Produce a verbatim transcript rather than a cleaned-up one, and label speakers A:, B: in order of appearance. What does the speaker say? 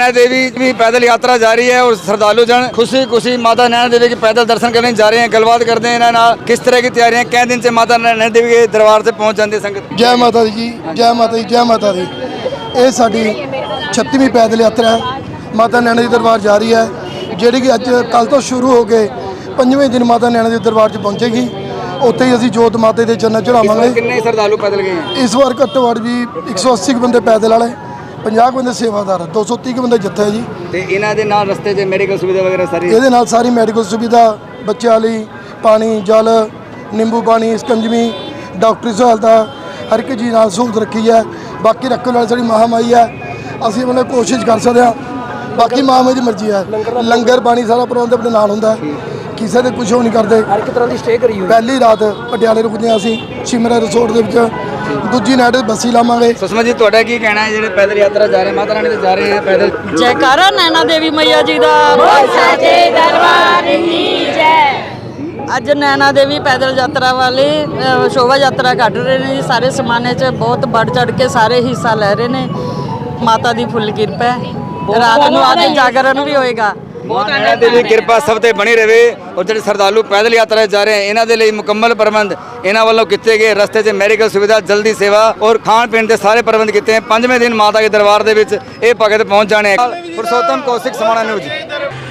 A: नैना देवी भी पैदल यात्रा जारी है और श्रद्धालु जन खुशी खुशी माता नैना देवी के पैदल दर्शन करने जा रहे हैं। गलबात करते हैं इन्होंने किस तरह की तैयारियां कै दिन से माता नैना देवी के दरबार से पहुंच जाती है संगत।
B: जय माता दी जी, जय माता दी, जय माता दी। ये साडी छत्तीवीं पैदल यात्रा है, माता नैना दी दरबार जा रही है, ਜਿਹੜੀ कि अज कल तो शुरू हो के पंजवें दिन माता नैना दी दरबार च पहुंचेगी। ਉੱਥੇ ਹੀ ਅਸੀਂ ਜੋਤ ਮਾਤਾ ਦੇ ਚਰਨਾਂ ਚੜਾਵਾਂਗੇ।
A: ਕਿੰਨੇ ਸ਼ਰਧਾਲੂ ਪੈਦਲ ਗਏ ਹੈ
B: ਇਸ ਵਾਰ ਘੱਟੋ ਘੱਟ ਵੀ ਇੱਕ ਸੌ ਅੱਸੀ ਬੰਦੇ ਪੈਦਲ ਵਾਲੇ, ਪੰਜਾਹ ਬੰਦੇ ਸੇਵਾਦਾਰ, ਦੋ ਸੌ ਤੀਹ ਬੰਦੇ ਜੱਥਾ ਹੈ ਜੀ।
A: ਤੇ ਇਹਨਾਂ ਦੇ ਨਾਲ ਰਸਤੇ 'ਚ ਮੈਡੀਕਲ ਸੁਵਿਧਾ ਵਗੈਰਾ ਸਾਰੀ
B: ਇਹਦੇ ਨਾਲ ਸਾਰੀ ਮੈਡੀਕਲ ਸੁਵਿਧਾ, ਬੱਚਿਆਂ ਲਈ ਪਾਣੀ, ਜਲ, ਨਿੰਬੂ ਪਾਣੀ, ਸਕੰਜਵੀ, ਡਾਕਟਰੀ ਸਹੂਲਤਾਂ ਹਰ ਇੱਕ ਚੀਜ਼ ਨਾਲ ਸਹੂਲਤ ਰੱਖੀ ਹੈ। ਬਾਕੀ ਰੱਖਣ ਵਾਲੀ ਸਾਡੀ ਮਹਾਮਾਈ ਹੈ, ਅਸੀਂ ਮਤਲਬ ਕੋਸ਼ਿਸ਼ ਕਰ ਸਕਦੇ ਹਾਂ, ਬਾਕੀ ਮਹਾਮਾਈ ਦੀ ਮਰਜ਼ੀ ਹੈ। ਲੰਗਰ ਪਾਣੀ ਸਾਰਾ ਪ੍ਰਬੰਧ ਆਪਣੇ ਨਾਲ ਹੁੰਦਾ, ਕਿਸੇ ਦੇ ਕੁਝ ਨਹੀਂ ਕਰਦੇ।
C: ਹਰ ਇੱਕ ਤਰ੍ਹਾਂ ਦੀ ਸਟੇ ਕਰੀ ਹੋਈ।
B: ਪਹਿਲੀ ਰਾਤ ਪਟਿਆਲੇ ਰੁਕਦੇ ਹਾਂ ਅਸੀਂ ਸ਼ਿਮਲਾ ਰਿਸੋਰਟ ਦੇ ਵਿੱਚ, ਦੂਜੀ ਨਾਈਟ ਬੱਸੀ ਲਾਵਾਂਗੇ।
A: ਸੁਸ਼ਮਾ ਜੀ ਤੁਹਾਡਾ ਕੀ ਕਹਿਣਾ ਹੈ ਜਿਹੜੇ ਪੈਦਲ ਯਾਤਰਾ ਜਾ ਰਹੇ ਮਾਤਾ ਰਾਣੀ ਦੇ ਜਾ ਰਹੇ ਹੈ ਪੈਦਲ?
D: ਜੈਕਾਰਾ ਨੈਣਾ ਦੇਵੀ ਮਈਆ ਜੀ ਦਾ, ਬੋਲ ਸਾਚੇ ਦਰਬਾਰ ਕੀ ਜੈ। ਅੱਜ ਨੈਣਾ ਦੇਵੀ ਪੈਦਲ ਯਾਤਰਾ ਵਾਲੇ ਸ਼ੋਭਾ ਯਾਤਰਾ ਕੱਢ ਰਹੇ ਨੇ ਜੀ। ਸਾਰੇ ਸਮਾਨੇ 'ਚ ਬਹੁਤ ਵੱਧ ਚੜ ਕੇ ਸਾਰੇ ਹਿੱਸਾ ਲੈ ਰਹੇ ਨੇ। ਮਾਤਾ ਦੀ ਫੁੱਲ ਕਿਰਪਾ ਹੈ। ਰਾਤ ਨੂੰ ਅੱਜ ਜਾਗਰਣ ਵੀ ਹੋਏਗਾ।
A: ਨੈਣਾ ਦੇਵੀ ਕਿਰਪਾ ਸਭ ਤੇ ਬਣੀ ਰਹੇ। ਔਰ ਜਿਹੜੇ ਸ਼ਰਧਾਲੂ ਪੈਦਲ ਯਾਤਰਾ ਜਾ ਰਹੇ ਇਹਨਾਂ ਦੇ ਲਈ ਮੁਕੰਮਲ ਪ੍ਰਬੰਧ ਇਹਨਾਂ ਵੱਲੋਂ ਕੀਤੇ ਗਏ। ਰਸਤੇ 'ਚ ਮੈਡੀਕਲ ਸੁਵਿਧਾ, ਜਲਦੀ ਸੇਵਾ ਔਰ ਖਾਣ ਪੀਣ ਦੇ ਸਾਰੇ ਪ੍ਰਬੰਧ ਕੀਤੇ। ਪੰਜਵੇਂ ਦਿਨ ਮਾਤਾ ਦੇ ਦਰਬਾਰ ਦੇ ਵਿੱਚ ਇਹ ਭਗਤ ਪਹੁੰਚ ਜਾਣੇ। ਪੁਰਸ਼ੋਤਮ ਕੌਸ਼ਿਕ, ਸਮਾਣਾ ਨਿਊਜ਼।